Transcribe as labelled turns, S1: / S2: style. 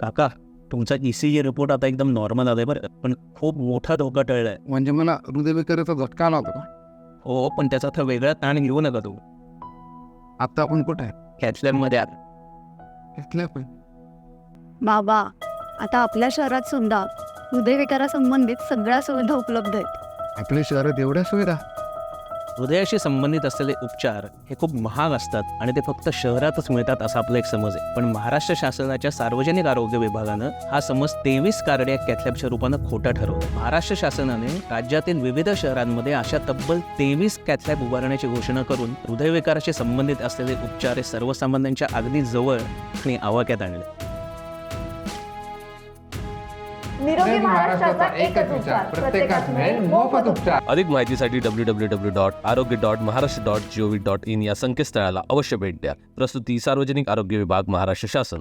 S1: काका तुमचा ECG report आता एकदम नॉर्मल आलाय बरं, पण खूप मोठा धोका टळलाय.
S2: म्हणजे मला हृदयविकाराचा झटका आला होता का?
S1: हो, पण त्याचा आता वेगळा ताण घेऊ नका तू.
S2: आता आपण कुठे आहे?
S1: कॅथलॅबमध्ये आत.
S2: इथल्या पण
S3: बाबा, आता आपल्या शहरात सुद्धा हृदयविकारासंबंधित सगळ्या सुविधा उपलब्ध आहेत.
S2: आपल्या शहरात एवढ्या सुविधा?
S1: हृदयाशी संबंधित असलेले उपचार हे खूप महाग असतात आणि ते फक्त शहरातच मिळतात असा आपला एक समज आहे. पण महाराष्ट्र शासनाच्या सार्वजनिक आरोग्य विभागानं हा समज 23 कार्डियाक कॅथलॅबच्या रूपानं खोटा ठरवला. महाराष्ट्र शासनाने राज्यातील विविध शहरांमध्ये अशा तब्बल 23 कॅथलॅब उभारण्याची घोषणा करून हृदयविकाराशी संबंधित असलेले उपचार हे सर्वसामान्यांच्या अगदी जवळ आणि आवाक्यात आणले.
S4: निरोगी महाराष्ट्राचा एकच विचार, प्रत्येकास मिळेल मोफत उपचार.
S5: अधिक माहितीसाठी www.arogya.maharashtra.gov.in या संकेतस्थळाला अवश्य भेट द्या. प्रस्तुती सार्वजनिक आरोग्य विभाग, महाराष्ट्र शासन.